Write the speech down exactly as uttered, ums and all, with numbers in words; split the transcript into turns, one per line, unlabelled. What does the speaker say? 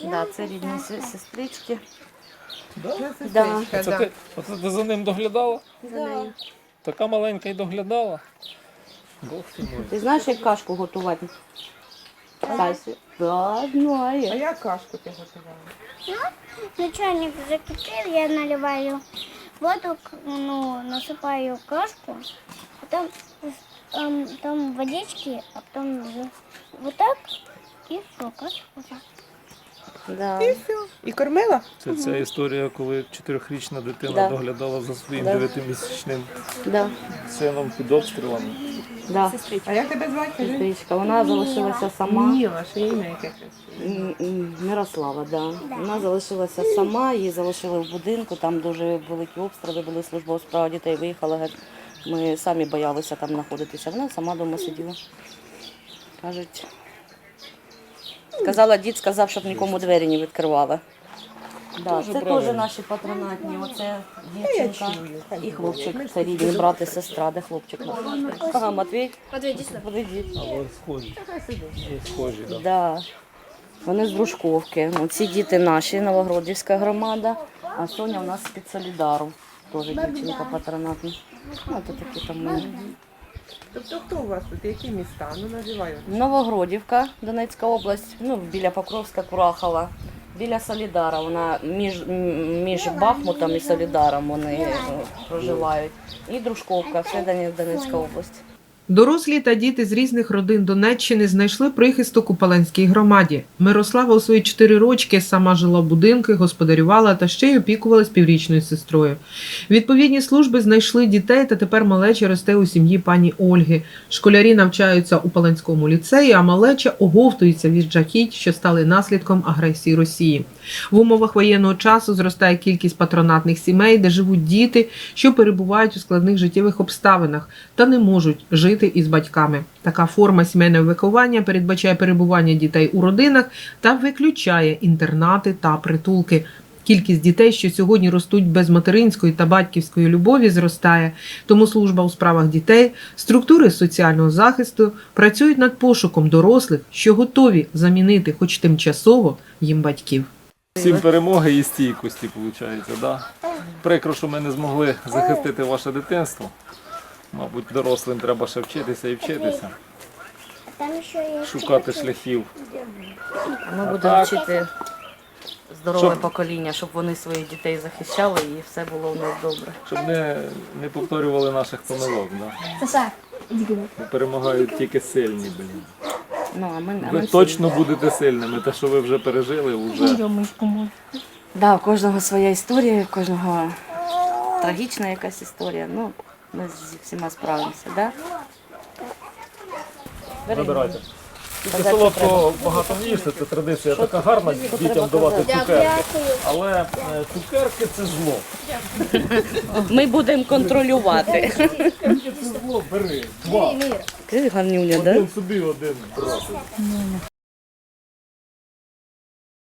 Да, це рідні се- сестрички.
Да?
Да.
Це ти, оце ти за ним доглядала?
За нею.
Така маленька й доглядала. Бог ти мой.
Ти знаєш, як кашку готувати? Сасі? Да,
А
знаю.
як кашку ти готувала?
Начальник закипел, я наливаю воду, к- ну, насыпаю кашку, потом там, там водички, а потом за- вот так и все, кашку вот так.
Да.
І все. І кормила?
Це ця історія, коли чотирьохрічна дитина
Да.
доглядала за своїм
Да.
дев'ятимісячним
Да.
сином під обстрілами.
Да.
А як тебе звати? кажи?
Сестричка. Вона залишилася сама.
Міла, ще ім'я яке красиве.
М, м, Мирослава, да. Вона залишилася сама, її залишили в будинку, там дуже великі обстріли були, служба у справах дітей виїхала. Геть. Ми самі боялися там знаходитися. Вона сама вдома сиділа. Кажуть. Сказала, дід сказав, щоб нікому двері не відкривали. Да,
Дуже
це
правильно.
теж наші патронатні. Оце
Я
дівчинка
чую.
і хлопчик. Це рідні брат і сестра, де хлопчик. Ага, Матвій.
Матвей, иди сюда.
Подойди.
Але схожі. Схожі, так.
Да. Вони з Дружковки. Ну, ці діти наші, Новогродівська громада, а Соня у нас з-під Солідару. Теж дівчинка патронатна. Ну, то такі там ми.
Тобто хто у вас тут? Які міста? Ну називаю.
Новогродівка, Донецька область, ну, біля Покровська, Курахова. Біля Солідара, вона між, м, між Бахмутом і Солідаром вони е, проживають. І Дружковка, все Донець- Донецька область.
Дорослі та діти з різних родин Донеччини знайшли прихисток у Паланській громаді. Мирослава у свої чотири рочки сама жила в будинку, господарювала та ще й опікувалась піврічною сестрою. Відповідні служби знайшли дітей, та тепер малеча росте у сім'ї пані Ольги. Школярі навчаються у Паланському ліцеї, а малеча оговтується від жахіть, що стали наслідком агресії Росії. В умовах воєнного часу зростає кількість патронатних сімей, де живуть діти, що перебувають у складних життєвих обставинах та не можуть жити із батьками. Така форма сімейного виховання передбачає перебування дітей у родинах та виключає інтернати та притулки. Кількість дітей, що сьогодні ростуть без материнської та батьківської любові, зростає. Тому служба у справах дітей, структури соціального захисту працюють над пошуком дорослих, що готові замінити хоч тимчасово їм батьків.
Всім перемоги і стійкості, виходить, да? Прикро, що ми не змогли захистити ваше дитинство. Мабуть, дорослим треба ще вчитися і вчитися,
Там еще есть...
шукати шляхів.
Ми будемо
так.
вчити здорове
Щоб-
покоління, щоб вони своїх дітей захищали і все було у них добре.
Щоб не, не повторювали наших помилок. Да?
Саша, иди гуляй.
Бо перемагають тільки сильні, блін.
Ну, а ми, а
Ви
ми
точно
всі-
будете сильними, те, що ви вже пережили, вже.
Рёмочку мой.
Да, у кожного своя історія, у кожного трагічна якась історія. Ну, ми зі всіма справимося, да? Бери.
Забирайте. Тільки
Казати
солодкого багато не їсти, це традиція така гарна дітям давати цукерки. Але е, цукерки це зло.
Ми будемо контролювати.
Цукерки це зло, бери. Два.
Ти гарнюня, да?
Один собі, один брати.